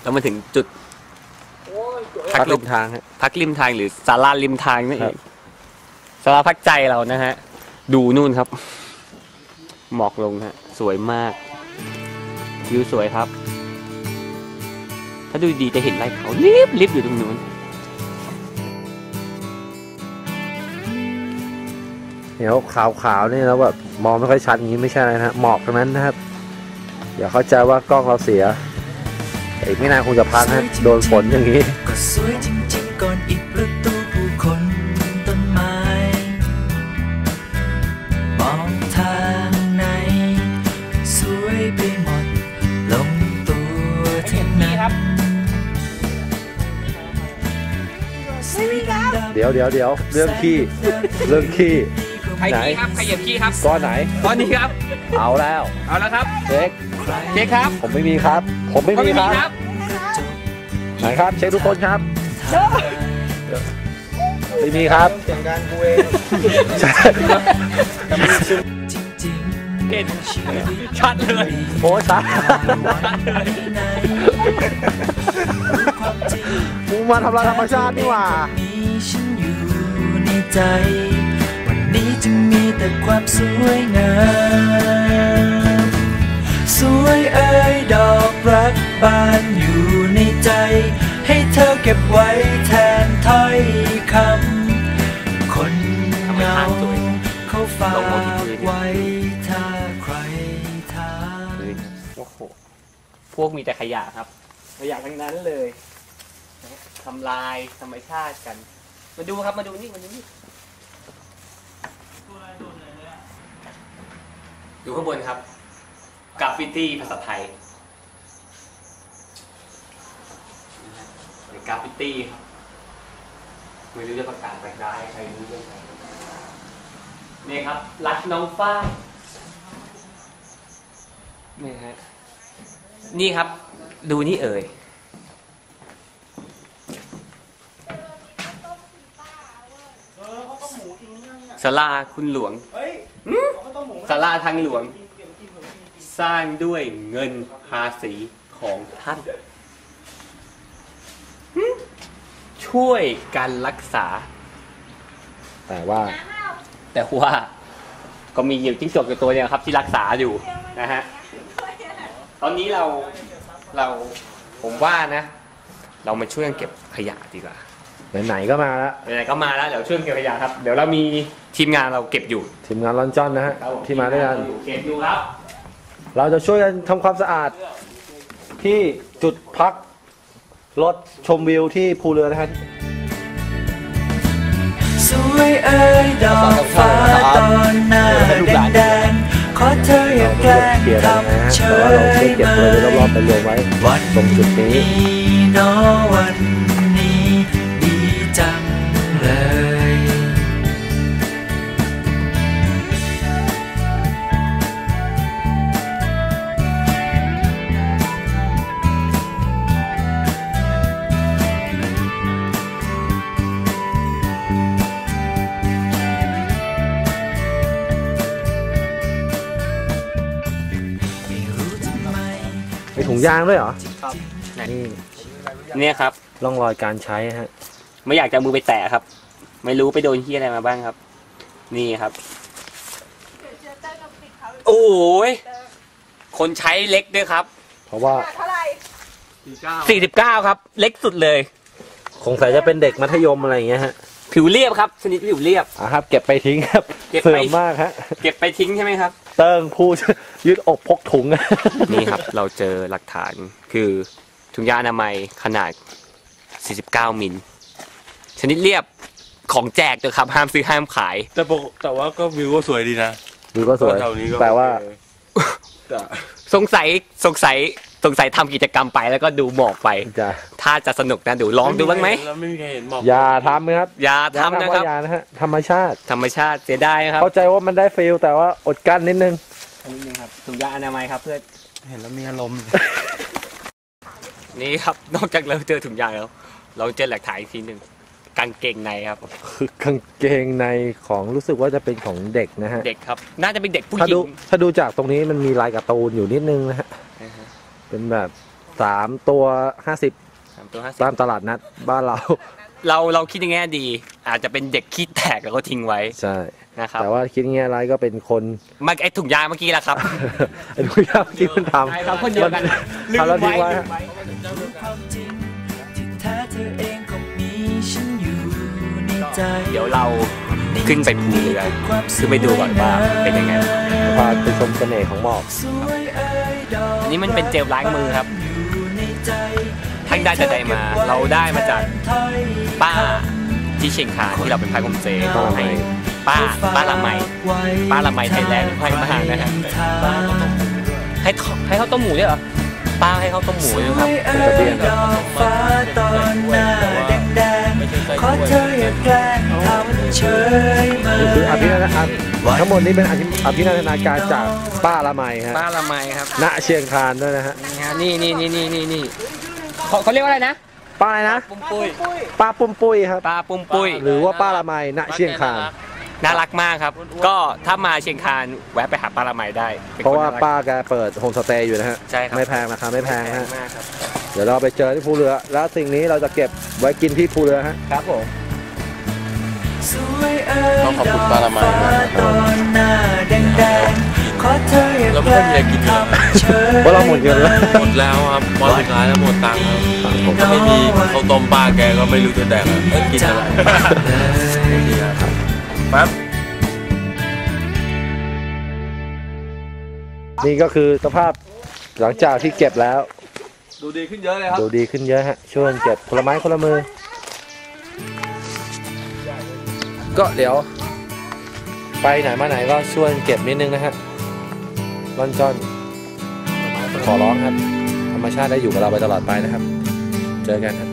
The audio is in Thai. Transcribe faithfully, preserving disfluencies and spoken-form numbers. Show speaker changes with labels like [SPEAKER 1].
[SPEAKER 1] แล้วมาถึงจุด
[SPEAKER 2] พักริมทาง
[SPEAKER 1] พักริมทางหรือศาลาริมทางนั่นเองศาลาพักใจเรานะฮะดูนู่นครับหมอกลงฮะสวยมากวิวสวยครับถ้าดูดีจะเห็นไรเขาลิบลิบอยู่ตรงนู้น
[SPEAKER 2] เดี๋ยวขาวๆนี่แล้วแบบมองไม่ค่อยชัดอย่างนี้ไม่ใช่อะไรนะหมอกตรงนั้นนะครับอย่าเข้าใจว่ากล้องเราเสียอีกไม่นานคงจะพังฮะโดนฝนอย่างนี้
[SPEAKER 3] ก็สวยจริงๆก่อนอีกประตูผู้คนต้นไม้มองทางไหนสวยไปหมดลงตัวที่นั้น
[SPEAKER 2] เดี๋ยวเดี๋ยวเดี๋ยวเรื่องขี้เรื่องขี้
[SPEAKER 1] ใครขี้ครับใครเหยียบขี้ครับ
[SPEAKER 2] ก้อนไหน
[SPEAKER 1] ก้อนนี้ครับ
[SPEAKER 2] เอาแล้ว
[SPEAKER 1] เอาแล้วครับ
[SPEAKER 2] เช็ค
[SPEAKER 1] เช็คครับ
[SPEAKER 2] ผมไม่มีครับผมไม่มีครับไหนครับเช็คทุกคนครับไม่มีครับ
[SPEAKER 4] เสียงการกูเอง
[SPEAKER 1] เห็นชัดเลย
[SPEAKER 2] โอ้ชัดมึงมาทำลายธรรมชาตินี่หว่า
[SPEAKER 3] วันนี้จึงมีแต่ความสวยงามสวยเอ่ยดอกรักบานอยู่ในใจให้เธอเก็บไว้แทนถ้อยคำคนเงาเขาฝากไว้ถ้าใครถาม
[SPEAKER 1] โอ้โหพวกมีแต่ขยะครับขยะทั้งนั้นเลยทำลายธรรมชาติกันมาดูครับมาดูนี่มาดูนี่ดูข้างบนครับกราฟฟิตี้ภาษาไทยกราฟฟิตี้ไม่รู้จะประกาศไปได้ใครรู้เรื่องอะไรนี่ครับรักน้องฟ้านี่ฮะนี่ครับดูนี่เอ่ยศาลาคุณหลวงศาลาทางหลวงสร้างด้วยเงินภาษีของท่านช่วยการรักษา
[SPEAKER 2] แต่ว่า
[SPEAKER 1] แต่ว่าก็มีอยู่จิ้งจกอยู่ตัวเดียวครับที่รักษาอยู่นะฮะตอนนี้เราเราผมว่านะเรามาช่วยกันเก็บขยะดีกว่า
[SPEAKER 2] ไหนๆก็มาแล้ว
[SPEAKER 1] ไหนๆก็มาแล้วเดี๋ยวช่วยเก็บขยะครับเดี๋ยวเรามีทีมงานเราเก็บอยู่
[SPEAKER 2] ทีมงานลอนจอนนะฮะที่มาด้วยกัน
[SPEAKER 1] เก็บอยู่ครับ
[SPEAKER 2] เราจะช่วยกันทำความสะอาดที่จุดพักรถชมวิวที่ภูเรือนะครับ
[SPEAKER 3] สวยเอ่ยดอกฟ้าตอนหน้าแดงๆขอเธออย่าแกล้งทำเฉยเมย
[SPEAKER 2] รอบๆไปรวมไว้ตรงจุดนี้
[SPEAKER 3] นอวันนี้ดีจังเลย
[SPEAKER 2] มีถุงยางด้วยเหรอ
[SPEAKER 1] ครับ
[SPEAKER 2] นี่
[SPEAKER 1] เนี่ยครับ
[SPEAKER 2] ร่องรอยการใช้ฮะ
[SPEAKER 1] ไม่อยากจะมือไปแตะครับไม่รู้ไปโดนที่อะไรมาบ้างครับนี่ครับโอ้ยคนใช้เล็กด้วยครับ
[SPEAKER 2] เพราะว่า
[SPEAKER 1] สี่สิบเก้าครับเล็กสุดเลย
[SPEAKER 2] คงใส่จะเป็นเด็กมัธยมอะไรอย่างเงี้ยฮะ
[SPEAKER 1] ผิวเรียบครับชนิดผิวเรียบ
[SPEAKER 2] อ่ะครับเก็บไปทิ้งครับเสื่อมมากฮะ
[SPEAKER 1] เก็บไปทิ้งใช่ไหมครับ
[SPEAKER 2] เติ้งผู้ยืดอกพกถุง
[SPEAKER 1] นี่ครับเราเจอหลักฐานคือถุงยางอนามัยขนาดสี่สิบเก้ามิลชนิดเรียบของแจกตัวครับห้ามซื้อห้ามขาย
[SPEAKER 4] แต่ปกแต่ว่าก็วิวก็สวยดีนะ
[SPEAKER 2] วิวก็สวยแต่ว่า
[SPEAKER 1] สงสัยสงสัยสงสัยทำกิจกรรมไปแล้วก็ดูหมอกไปถ้าจะสนุกนะดูลองดูบ้างไหม
[SPEAKER 4] ไม่มีใครเห็นหมอก
[SPEAKER 2] อย่าทำนะครับ
[SPEAKER 1] อย่าทำนะครับ
[SPEAKER 2] อย่านะฮะธรรมชาติ
[SPEAKER 1] ธรรมชาติเสียดายครับ
[SPEAKER 2] เข้าใจว่ามันได้ฟีลแต่ว่าอดกั้นนิดนึง
[SPEAKER 1] นิดนึงครับถุงยางอนามัยครับเพื่อ
[SPEAKER 4] เห็นแล้วมีอารมณ์
[SPEAKER 1] นี่ครับนอกจากเราเจอถุงยางแล้วเราเจอหลักฐานอีกทีหนึ่งกางเกงในครับ
[SPEAKER 2] คือกางเกงในของรู้สึกว่าจะเป็นของเด็กนะฮะ
[SPEAKER 1] เด็กครับน่าจะเป็นเด็กผู้หญิง
[SPEAKER 2] ถ้าดูจากตรงนี้มันมีลายการ์ตูนอยู่นิดนึงนะฮะเป็นแบบสสามตัวห้าสิบ
[SPEAKER 1] สามตัวห้าสิบ
[SPEAKER 2] ตามตลาดนัดบ้านเรา
[SPEAKER 1] เราเราคิดในแง่ดี อาจจะเป็นเด็กขี้แตกแล้วก็ทิ้งไว้
[SPEAKER 2] ใช่
[SPEAKER 1] นะครับ
[SPEAKER 2] แต่ว่าคิดง่ายๆไรก็เป็นคน
[SPEAKER 1] มาไอถุงยางเมื่อกี้แหละครับ
[SPEAKER 2] ไอ้ทุกอย่างที่มันทำ
[SPEAKER 1] ใช่ครับคนเดียวกันลืม
[SPEAKER 2] ทำแล้วทิ้งไว้
[SPEAKER 1] ไว้
[SPEAKER 2] ฮะ
[SPEAKER 3] ความจริงที่แท้เธอเองก็มีฉันอยู่ในใจ
[SPEAKER 1] เดี๋ยวเราขึ้นไปภูเรือขึ้นไปดูก่อนว่าเป็นยังไง
[SPEAKER 2] พาไปชมเสน่ห์ของหมอก
[SPEAKER 3] สวยเอ่ยดอก
[SPEAKER 1] อันนี้มันเป็นเจลล้างมือครับ
[SPEAKER 3] อยู่ในใจ
[SPEAKER 1] ท่านได้จะได้มา เราได้มาจากป้าที่เชียงคานที่เราเป็นพายผมเจ
[SPEAKER 2] ป้าละไม
[SPEAKER 1] ให้ป้าป้าละไม ป้าละไมไทยแลนด์ให้มานะฮะให้ข้าวให้ข้าวต้มหมูด้วยเหรอป้าให้ข้าวต้มหมูด้วยครับ
[SPEAKER 2] มันจะเบี้ยน
[SPEAKER 3] ดอกฟ้าตอนหน้าแดงๆขอเธออย่าแกล้งทำเฉยเม
[SPEAKER 2] นี่คืออภิ
[SPEAKER 3] ย
[SPEAKER 2] นันทนาทั้งหมดนี้เป็นอภิอภินันทนาการจากป้าละไมฮะ
[SPEAKER 1] ป้าละไมครับ
[SPEAKER 2] ณเชียงคานด้วยนะฮะ
[SPEAKER 1] นี่นี่นี่นี่นี่นี่เขาเขาเรียกว่าอะไรนะ
[SPEAKER 2] ป้าอะไรนะ
[SPEAKER 1] ปุ้มปุ้ย
[SPEAKER 2] ป้าปุ้มปุ้ยครับ
[SPEAKER 1] ป้าปุ้มปุ้ย
[SPEAKER 2] หรือว่าป้าละไมณเชียงคาน
[SPEAKER 1] น่ารักมากครับ ก็ถ้ามาเชียงคานแวะไปหาป้าละไมได้ป็น
[SPEAKER 2] เพราะ
[SPEAKER 1] คน
[SPEAKER 2] ว่า
[SPEAKER 1] น่ก
[SPEAKER 2] ป้าแกเปิดโฮมสเตย์อยู่นะฮะ
[SPEAKER 1] ใช่ครับ
[SPEAKER 2] ไม่แพงราคาไม่แพง
[SPEAKER 1] แพ
[SPEAKER 2] ฮะ
[SPEAKER 1] งมากครับ
[SPEAKER 2] เดี๋ยวเราไปเจอที่ภูเรือ แล้วสิ่งนี้เราจะเก็บไว้กินที่ภูเรือฮะ
[SPEAKER 1] ครับผม
[SPEAKER 3] สวยเอ่ย
[SPEAKER 4] ต้องขอบคุณป้าละไมมาก
[SPEAKER 3] ตอนหน้าแดงๆขอเธออย่า
[SPEAKER 4] แล้ว
[SPEAKER 3] แก
[SPEAKER 4] ไม่
[SPEAKER 3] ล้
[SPEAKER 4] มีอะไรกิน
[SPEAKER 3] ง
[SPEAKER 4] เลย
[SPEAKER 3] ทำเฉย
[SPEAKER 2] เพราะเราหมดเงินแล้ว
[SPEAKER 4] หมดแล้วครับวันสุดท้ายแล้วหมดตังค์ครับผมก็ไม่มีข้าวต้มป้าแกก็ไม่รู้จะแดกอะไรเอ้ยกินอะไรปั๊บ
[SPEAKER 2] นี่ก็คือสภาพหลังจากที่เก็บแล้ว
[SPEAKER 4] ดูดีขึ้นเยอะเลยครับ
[SPEAKER 2] ดูดีขึ้นเยอะฮะ ช่วยกันเก็บคนละไม้คนละมือ ก็เดี๋ยว ไปไหนมาไหนก็ช่วยเก็บนิดนึงนะฮะร่อนจ้อนขอร้องครับ ธรรมชาติได้อยู่กับเราไปตลอดไปนะครับ เจอกันครับ